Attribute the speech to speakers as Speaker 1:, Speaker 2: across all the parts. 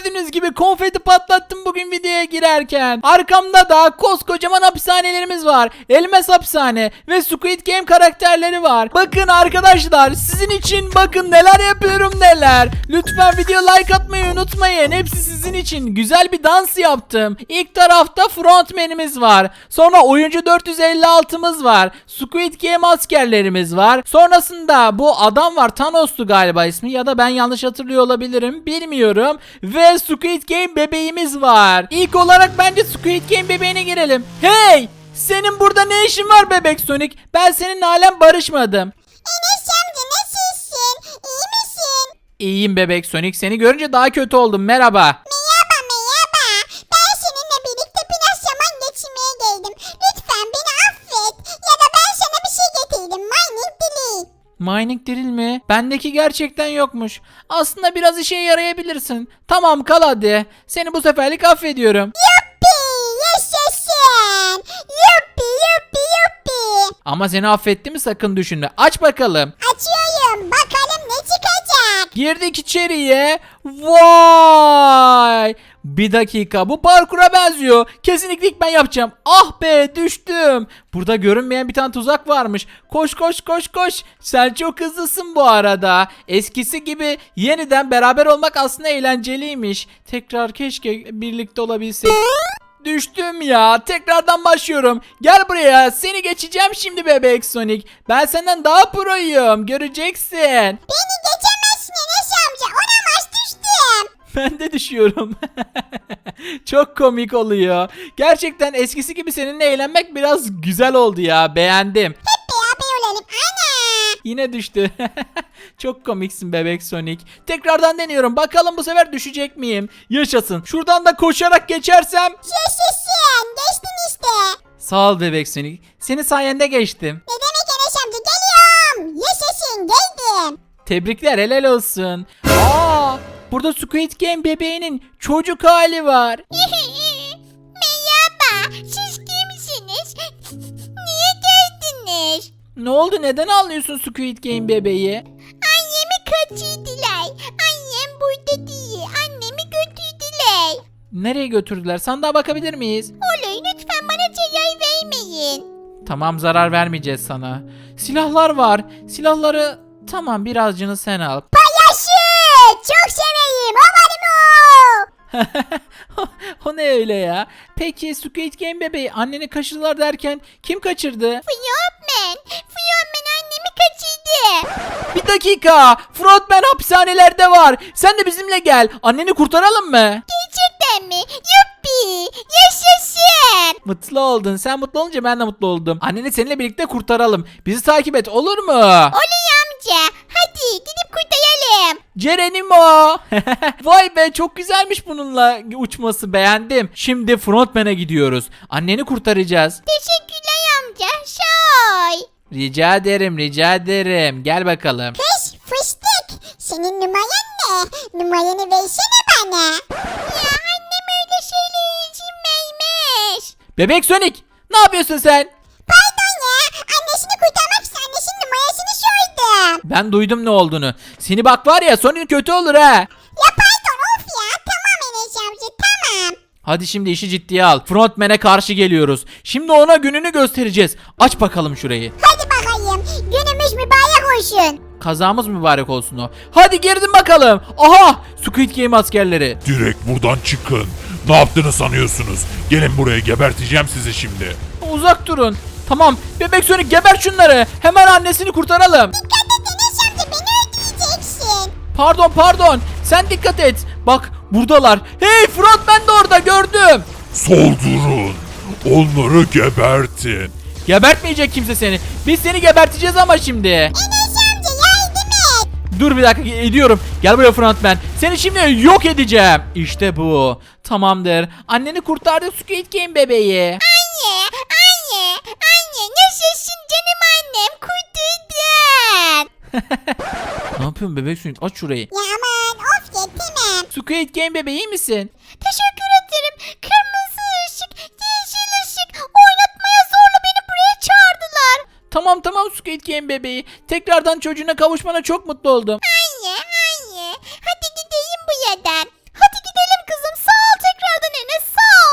Speaker 1: Gördüğünüz gibi konfeti patlattım bugün videoya girerken. Arkamda da koskocaman hapishanelerimiz var. Elmas hapishane ve Squid Game karakterleri var. Bakın arkadaşlar, sizin için bakın neler yapıyorum neler. Lütfen video like atmayı unutmayın. Hepsi sizin için. Güzel bir dans yaptım. İlk tarafta frontmanimiz var. Sonra oyuncu 456'mız var. Squid Game askerlerimiz var. Sonrasında bu adam var. Thanos'tu galiba ismi, ya da ben yanlış hatırlıyor olabilirim. Bilmiyorum. Ve Squid Game bebeğimiz var. İlk olarak bence Squid Game bebeğine girelim. Hey! Senin burada ne işin var bebek Sonic? Ben seninle halen barışmadım.
Speaker 2: Enes amca nasılsın? İyi misin?
Speaker 1: İyiyim bebek Sonic. Seni görünce daha kötü oldum. Merhaba.
Speaker 2: Merhaba merhaba. Ben seninle birlikte biraz zaman geçirmeye geldim. Lütfen beni affet. Ya da ben sana bir şey getirdim. Mining dili.
Speaker 1: Mining drill mi? Bendeki gerçekten yokmuş. Aslında biraz işe yarayabilirsin. Tamam, kal hadi. Seni bu seferlik affediyorum.
Speaker 2: Yuppi yaşasın. Yuppi yuppi yuppi.
Speaker 1: Ama seni affettiğimi sakın düşünme. Aç bakalım.
Speaker 2: Açıyorum. Bakalım ne çıkacak.
Speaker 1: Girdik içeriye. Vay! Bir dakika, bu parkura benziyor. Kesinlikle ilk ben yapacağım. Ah be, düştüm. Burada görünmeyen bir tane tuzak varmış. Koş koş koş koş. Sen çok hızlısın bu arada. Eskisi gibi yeniden beraber olmak aslında eğlenceliymiş. Tekrar keşke birlikte olabilsek. Düştüm ya. Tekrardan başlıyorum. Gel buraya. Seni geçeceğim şimdi bebek Sonic. Ben senden daha proyum. Göreceksin.
Speaker 2: Beni geçemezsin Enes amca. Olamaz düştüm.
Speaker 1: Ben de düşüyorum. Çok komik oluyor. Gerçekten eskisi gibi seninle eğlenmek biraz güzel oldu ya. Beğendim.
Speaker 2: Hep beraber olalım. Ana.
Speaker 1: Yine düştü. Çok komiksin bebek Sonic. Tekrardan deniyorum. Bakalım bu sefer düşecek miyim? Yaşasın. Şuradan da koşarak geçersem.
Speaker 2: Yaşasın. Geçtin işte.
Speaker 1: Sağ ol bebek Sonic. Senin sayende geçtim.
Speaker 2: Ne demek Enes amca, geliyorum. Yaşasın geldim.
Speaker 1: Tebrikler, helal olsun. Aa, burada Squid Game bebeğinin çocuk hali var.
Speaker 2: Merhaba, siz kimsiniz? Niye geldiniz?
Speaker 1: Ne oldu, neden ağlıyorsun Squid Game bebeği?
Speaker 2: Annemi kaçırdılar. Annem burada değil. Annemi götürdüler.
Speaker 1: Nereye götürdüler? Sandığa bakabilir miyiz?
Speaker 2: Oley, lütfen bana zarar vermeyin.
Speaker 1: Tamam, zarar vermeyeceğiz sana. Silahlar var. Silahları tamam, birazcını sen al.
Speaker 2: Paylaşı! Çok severim. O benim o.
Speaker 1: O ne öyle ya? Peki Squid Game bebeği anneni kaçırdılar derken kim kaçırdı?
Speaker 2: Fiyonmen. Fiyonmen annemi kaçırdı.
Speaker 1: Bir dakika. Frontman hapishanelerde var. Sen de bizimle gel. Anneni kurtaralım mı?
Speaker 2: Gerçekten mi? Yuppi! Yaşasın!
Speaker 1: Mutlu oldun. Sen mutlu olunca ben de mutlu oldum. Anneni seninle birlikte kurtaralım. Bizi takip et, olur mu?
Speaker 2: Oley amca. Hadi gidip kurtaralım.
Speaker 1: Cerenimo. Vay be, çok güzelmiş bununla uçması, beğendim. Şimdi Frontman'e gidiyoruz. Anneni kurtaracağız.
Speaker 2: Teşekkürler amca. Şoy.
Speaker 1: Rica ederim, rica ederim. Gel bakalım.
Speaker 2: Kız fıstık. Senin numaran ne? Numaranı versene bana. Ya annem öyle şeyler izin vermez.
Speaker 1: Bebek Sonic, ne yapıyorsun sen?
Speaker 2: Pardon ya. Annesini kurtarmak için annesinin numarasını sordum.
Speaker 1: Ben duydum ne olduğunu. Seni bak var ya, sonun kötü olur ha.
Speaker 2: Ya pardon of ya. Tamam Enes amca tamam.
Speaker 1: Hadi şimdi işi ciddiye al. Frontman'e karşı geliyoruz. Şimdi ona gününü göstereceğiz. Aç bakalım şurayı.
Speaker 2: Hadi bakayım. Günümüz mübarek olsun.
Speaker 1: Kazamız mübarek olsun o. Hadi girdin bakalım. Aha! Squid Game askerleri.
Speaker 3: Direkt buradan çıkın. Ne yaptığını sanıyorsunuz? Gelin buraya, geberteceğim sizi şimdi.
Speaker 1: Uzak durun. Tamam. Bebek Sonic, geber şunları. Hemen annesini kurtaralım.
Speaker 2: Dikkat et Enes amca, beni öldüreceksin.
Speaker 1: Pardon. Sen dikkat et. Bak, buradalar. Hey, Frontman de orada, gördüm.
Speaker 3: Soldurun. Onları gebertin.
Speaker 1: Gebertmeyecek kimse seni. Biz seni geberteceğiz ama şimdi.
Speaker 2: Enes amca yardım et.
Speaker 1: Dur bir dakika, ediyorum. Gel buraya Frontman. Seni şimdi yok edeceğim. İşte bu. Tamamdır. Anneni kurtardı Squid Game bebeği.
Speaker 2: Anne nasılsın canım annem, kurtuldun.
Speaker 1: Ne yapıyorsun bebek Sonic? Aç şurayı.
Speaker 2: Ya aman of yetemem.
Speaker 1: Squid Game bebeği, iyi misin?
Speaker 2: Teşekkür ederim. Kırmızı ışık, yeşil ışık oynatmaya zorla beni buraya çağırdılar.
Speaker 1: Tamam Squid Game bebeği. Tekrardan çocuğuna kavuşmana çok mutlu oldum.
Speaker 2: Anne hadi gidelim bu yerden. Hadi gidelim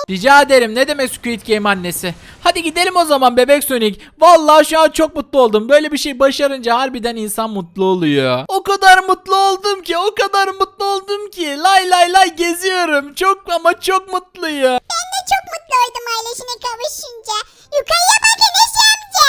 Speaker 1: Rica ederim, ne demek Squid Game annesi. Hadi gidelim o zaman bebek Sonic. Vallahi şu an çok mutlu oldum. Böyle bir şey başarınca harbiden insan mutlu oluyor. O kadar mutlu oldum ki, o kadar mutlu oldum ki. Lay lay lay geziyorum. Çok ama çok mutluyum.
Speaker 2: Ben de çok mutlu oldum ailesine kavuşunca. Yukarıya bak Enes amca.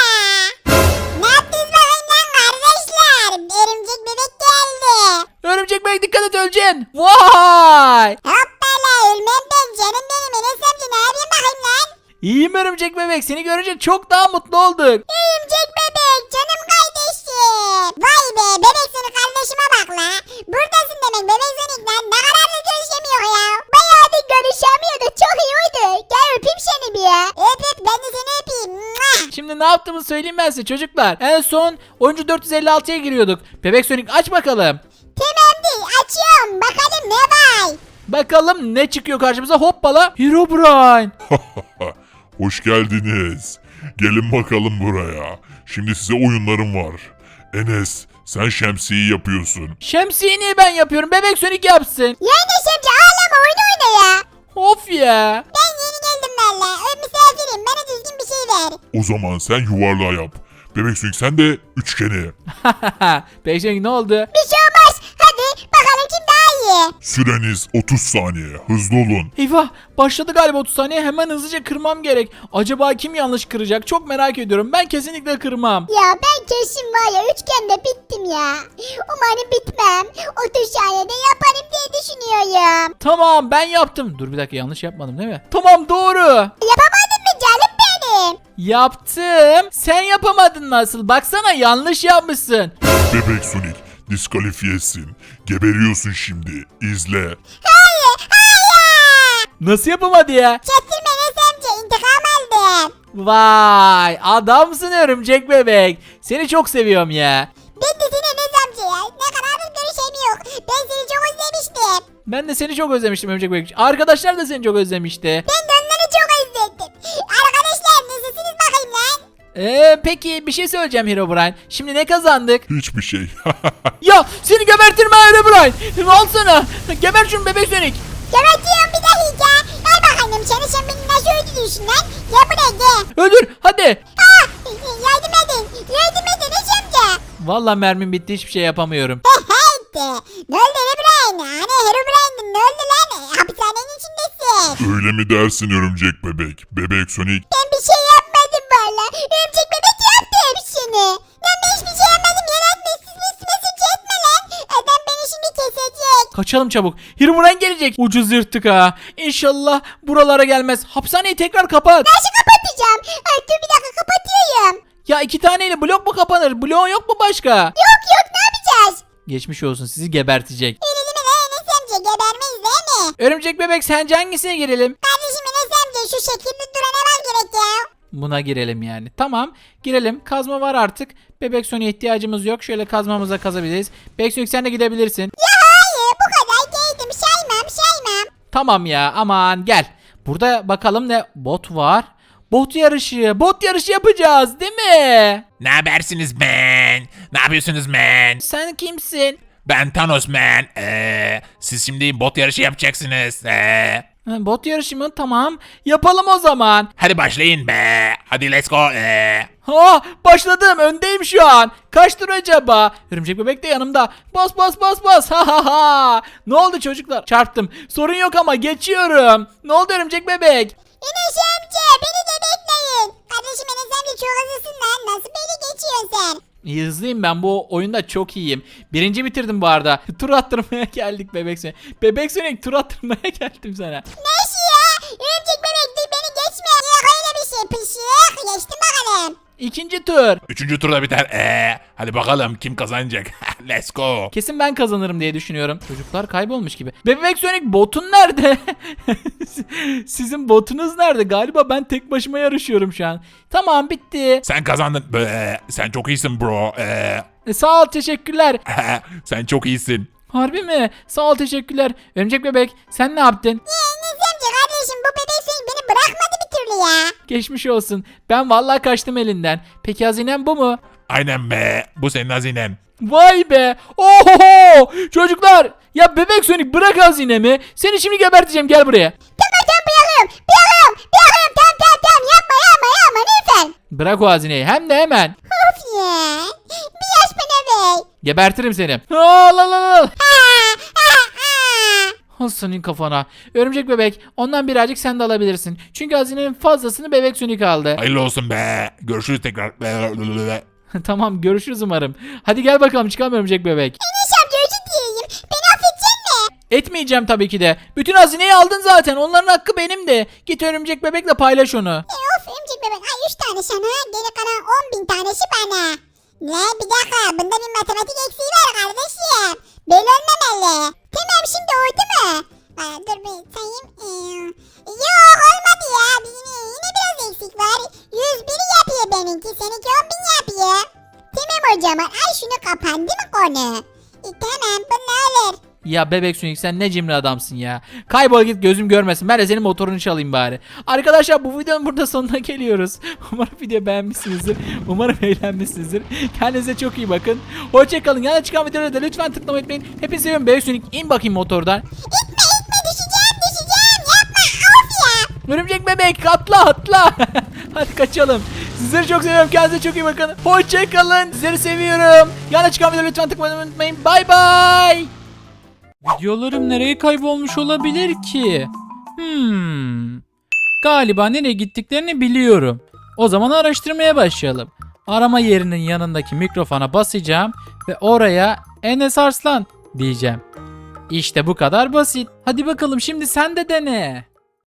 Speaker 2: Ne yaptınız bakayım lan kardeşler? Örümcek bebek geldi.
Speaker 1: Örümcek bebek dikkat et, öleceksin. Vay.
Speaker 2: Hoppala ölmem ben canım benim Enes amca, ne yapayım bakayım lan?
Speaker 1: İyiyim örümcek bebek. Seni görünce çok daha mutlu olduk.
Speaker 2: Örümcek bebek canım kardeşim. Vay be bebek seni kardeşime bak la. Buradasın demek bebek Sonic lan, ne kadar da görüşemiyor ya. Bayağı da görüşemiyordu, çok iyi oldu. Gel öpeyim seni bir ya. Öp öp, ben de seni öpeyim. Mua.
Speaker 1: Şimdi ne yaptığımızı söyleyeyim ben size çocuklar. En son oyuncu 456'ya giriyorduk. Bebek Sonic aç bakalım.
Speaker 2: Tamam değil, açıyorum bakalım ne var.
Speaker 1: Bakalım ne çıkıyor karşımıza. Hoppala. Herobrine.
Speaker 3: Hoş geldiniz. Gelin bakalım buraya. Şimdi size oyunlarım var. Enes, sen şemsiyeyi yapıyorsun.
Speaker 1: Şemsiyeyi niye ben yapıyorum? Bebek Sonic yapsın.
Speaker 2: Ya Enes amca ağlama, oyun oyna ya.
Speaker 1: Of ya.
Speaker 2: Ben yeni geldim valla. Misafirim, bana düzgün bir şey ver.
Speaker 3: O zaman sen yuvarlağı yap. Bebek Sonic sen de üçgeni.
Speaker 1: Bebek Sonic ne oldu?
Speaker 2: Bir şey olmaz. Hadi bakalım kim daha iyi.
Speaker 3: Süreniz 30 saniye. Hızlı olun.
Speaker 1: Eyvah, başladı galiba 30 saniye. Hemen hızlıca kırmam gerek. Acaba kim yanlış kıracak? Çok merak ediyorum. Ben kesinlikle kırmam.
Speaker 2: Ya ben kesin var ya üçgende bittim ya. Umarım bitmem. 30 saniyede yaparım diye düşünüyorum.
Speaker 1: Tamam, ben yaptım. Dur bir dakika, yanlış yapmadım değil mi? Tamam, doğru.
Speaker 2: Yapamadın mı canım benim?
Speaker 1: Yaptım. Sen yapamadın nasıl? Baksana, yanlış yapmışsın.
Speaker 3: Bebek Sonic diskalifiyesin. Geberiyorsun şimdi. İzle.
Speaker 2: Hayır, hayır.
Speaker 1: Nasıl yapamadı ya?
Speaker 2: Çektirme Enes amca, intikam aldım.
Speaker 1: Vay, adamsın örümcek bebek. Seni çok seviyorum ya.
Speaker 2: Ben de seni Enes amca ya. Ne kadardır görüşemiyor. Ben seni çok özlemiştim.
Speaker 1: Ben de seni çok özlemiştim örümcek bebek. Arkadaşlar da seni çok özlemişti.
Speaker 2: Ben de onları çok özledim. Arkadaşlar nasılsınız bakayım lan?
Speaker 1: Peki bir şey söyleyeceğim Herobrine. Şimdi ne kazandık?
Speaker 3: Hiçbir şey.
Speaker 1: Ya seni gebertirim ha Herobrine. Al sana. Geber şunu bebek Sonic.
Speaker 2: Gebertiyorum bir dakika. Gel bakalım sen beni nasıl öldürüyorsun lan? Gel buraya gel.
Speaker 1: Öldür hadi.
Speaker 2: Ah, yardım edin. Yardım edin Enes amca.
Speaker 1: Vallahi mermim bitti, hiçbir şey yapamıyorum.
Speaker 2: Hey, ne oldu Herobrine? Hani Herobrine ne oldu lan? Hapishanenin içindesin.
Speaker 3: Öyle mi dersin örümcek bebek? Bebek Sonic
Speaker 2: Ben bir şey yapmadım valla. Örümcek bebek yaptı hepsini. Lan ben hiçbir şey yapmadım. Yaratma, mesaj etme lan. Adam beni şimdi kesecek.
Speaker 1: Kaçalım çabuk. Herobrine gelecek. Ucuz yırttık ha. İnşallah buralara gelmez. Hapishaneyi tekrar kapat.
Speaker 2: Nasıl kapatacağım? Ay dur bir dakika, kapatıyorum.
Speaker 1: Ya 2 taneyle blok mu kapanır? Bloğun yok mu başka?
Speaker 2: Yok yok, ne yapacağız?
Speaker 1: Geçmiş olsun, sizi gebertecek.
Speaker 2: Öyle deme lan Enes amca, gebermeyiz değil mi?
Speaker 1: Örümcek bebek, sence hangisine girelim?
Speaker 2: Kardeşim Enes amca, şu şekilde durana var gerek ya.
Speaker 1: Buna girelim yani. Tamam, girelim. Kazma var artık. Bebek Sonic'e ihtiyacımız yok. Şöyle kazmamıza kazabiliriz. Bebek Sonic sen de gidebilirsin.
Speaker 2: Ya hayır, bu kadar değildim, saymam.
Speaker 1: Tamam ya, aman gel. Burada bakalım ne bot var. Bot yarışı. Bot yarışı yapacağız değil mi?
Speaker 4: Ne habersiniz man? Ne yapıyorsunuz man?
Speaker 1: Sen kimsin?
Speaker 4: Ben Thanos man. Siz şimdi bot yarışı yapacaksınız.
Speaker 1: Ha, bot yarışı mı? Tamam. Yapalım o zaman.
Speaker 4: Hadi başlayın be. Hadi let's go.
Speaker 1: Ha, başladım. Öndeyim şu an. Kaç tur acaba? Örümcek bebek de yanımda. Bas bas bas bas. Ha ha ha. Ne oldu çocuklar? Çarptım. Sorun yok ama geçiyorum. Ne oldu örümcek bebek?
Speaker 2: Enes amca, beni de bekleyin. Kardeşim Enes amca çok hızlısın lan. Nasıl beni geçiyorsun sen?
Speaker 1: İyi, hızlıyım ben, bu oyunda çok iyiyim. Birinci bitirdim bu arada. Tur attırmaya geldik Bebek Sonic. Bebek Sonic, tur attırmaya geldim sana.
Speaker 2: Nasıl ya? Örümcek bebek dur, beni geçme. Yok öyle bir şey, pışık. Geçtim bakalım.
Speaker 1: İkinci tur.
Speaker 4: Üçüncü turda biter. Hadi bakalım kim kazanacak. Let's go.
Speaker 1: Kesin ben kazanırım diye düşünüyorum. Çocuklar kaybolmuş gibi. Bebek Sonic, botun nerede? Sizin botunuz nerede? Galiba ben tek başıma yarışıyorum şu an. Tamam, bitti.
Speaker 4: Sen kazandın. Sen çok iyisin bro.
Speaker 1: Sağ ol, teşekkürler.
Speaker 4: Sen çok iyisin.
Speaker 1: Harbi mi? Sağ ol, teşekkürler. Örümcek bebek, sen ne yaptın?
Speaker 2: Enes amca kardeşim, bu bebek seni beni bırakmadı bir türlü ya.
Speaker 1: Geçmiş olsun. Ben vallahi kaçtım elinden. Peki hazinem bu mu?
Speaker 4: Aynen be. Bu senin hazinen.
Speaker 1: Vay be. Oho! Çocuklar, ya Bebek Sonic bırak hazinemi. Seni şimdi geberteceğim, gel buraya.
Speaker 2: Tamam bırakıyorum.
Speaker 1: Bırak o hazineyi hem de hemen.
Speaker 2: Of ya. Bir yaş bana bey.
Speaker 1: Gebertirim seni. Al al al.
Speaker 2: Ha, ha, ha.
Speaker 1: Al senin kafana. Örümcek bebek ondan birazcık sen de alabilirsin. Çünkü hazinenin fazlasını bebek Sonic aldı.
Speaker 4: Hayırlı olsun be. Görüşürüz tekrar.
Speaker 1: Tamam görüşürüz umarım. Hadi gel bakalım çıkalım örümcek bebek.
Speaker 2: Enes amca özür dileyim. Beni affedecek mi?
Speaker 1: Etmeyeceğim tabii ki de. Bütün hazineyi aldın zaten. Onların hakkı benim de. Git örümcek bebekle paylaş onu.
Speaker 2: Of örümcek bebek. Ay 3 tane sana. Geri kalan 10.000 tanesi bana. Ne bir dakika. Bunda bir matematik eksiği var kardeşim. Böyle olmamalı. Tamam şimdi oldu mu? Dur bir sayayım. Yok olmadı ya. Yine biraz eksik var. 101 yapıyor benimki. Seninki 10.000 yapıyor. Tamam o zaman. Ay şunu kapandı mı konu? Tamam bu ne olur?
Speaker 1: Ya bebek Sonic sen ne cimri adamsın ya. Kaybol git gözüm görmesin. Ben de senin motorunu çalayım bari. Arkadaşlar bu videonun burada sonuna geliyoruz. Umarım video beğenmişsinizdir. Umarım eğlenmişsinizdir. Kendinize çok iyi bakın. Hoşçakalın. Yana çıkan videoları da lütfen tıklamayı unutmayın. Hepinizi seviyorum. Bebek Sonic in bakayım motordan.
Speaker 2: İtme düşeceğim yapma of ya.
Speaker 1: Örümcek bebek atla. Hadi kaçalım. Sizleri çok seviyorum. Kendinize çok iyi bakın. Hoşçakalın. Sizleri seviyorum. Yana çıkan videoları lütfen tıklamayı unutmayın. Bay bay. Videolarım nereye kaybolmuş olabilir ki? Galiba nereye gittiklerini biliyorum. O zaman araştırmaya başlayalım. Arama yerinin yanındaki mikrofona basacağım ve oraya Enes Arslan diyeceğim. İşte bu kadar basit. Hadi bakalım şimdi sen de dene.